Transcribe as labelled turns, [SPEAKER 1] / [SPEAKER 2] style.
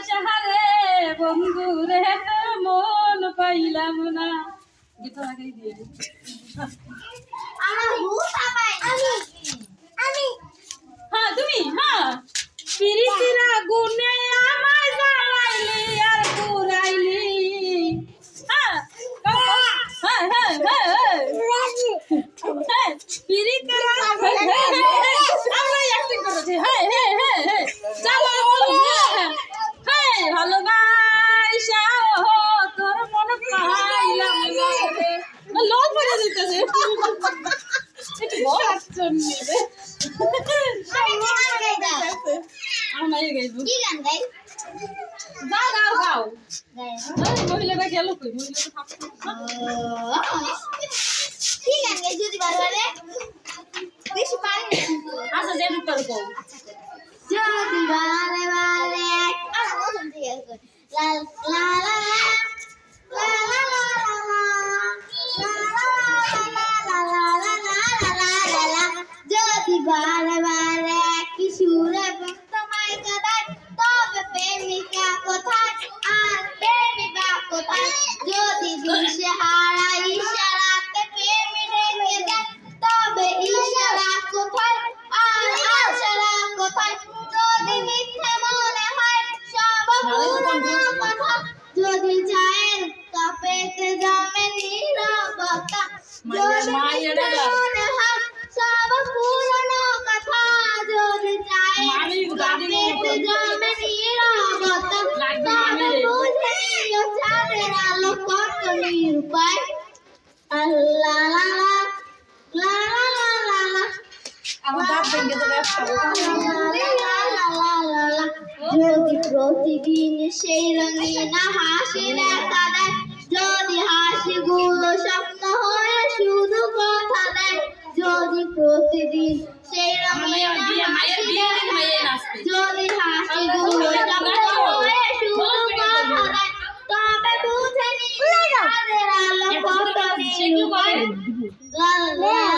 [SPEAKER 1] সাহারে বন্ধু রে মন পাইলাম না গীত আগেই দিয়ে হ্যাঁ তুমি হ্যাঁ পিরিতিরা গুনে আমায় জ্বালাইলি আর পুরাইলি হ্যাঁ হ্যাঁ হ্যাঁ হ্যাঁ পিরিতিরা আমরা অ্যাক্টিং করেছি হ্যাঁ হ্যাঁ হ্যাঁ হ্যাঁ চলো বলো হ্যাঁ ভালোবাসা তোর মন পাইলাম না রে লোক পড়ে দিতেছে একটু বল আসছেন রে আমরা এই গাইবো কি গান গাই গাও গাও গাও মহিলাটা গেল কই মহিলাটা থাকছে
[SPEAKER 2] কি গান গাই যদি বারবারে বেশি পারি
[SPEAKER 1] আচ্ছা যে রূপটা কও
[SPEAKER 2] যদি বারে বারে আর বলুন ঠিক আছে লা লা লা লা লা লা যদি বারে বারে কি সুরে তোমায় কাঁদায় তবে প্রেমিকা কোথায় আর প্রেমিকা কোথায় যদি দিশে হারা ইশারাতে প্রেমী রেখে দেয় তবে ইশারা কোথায় আর আশারা কোথায় যদি মিথ্যে মনে হয় সব পুরনো কথা যদি চায়ের কাপেতে জমে নীরবতা যদি মিথ্যে মনে হয় সব পুরনো কথা যদি চায়ের কাপেতে জমে নীরবতা তবে বুঝে নিও চাঁদের আলো কত নিরুপায় আল্লাহ লা লা লা লা লা
[SPEAKER 1] আমার দাঁত ভেঙে যাবে একটা
[SPEAKER 2] যদি প্রতিদিন সেই রঙিন হাসি দেখা দেয় যদি হাসিগুলো স্বপ্ন হয়ে শুধু কথা দেয় যদি প্রতিদিন সেই রঙিন যদি হাসিগুলো স্বপ্ন হয়ে শুধু কথা দেয় তবে বুঝে নিই তাদের আলো কত নিরুপায়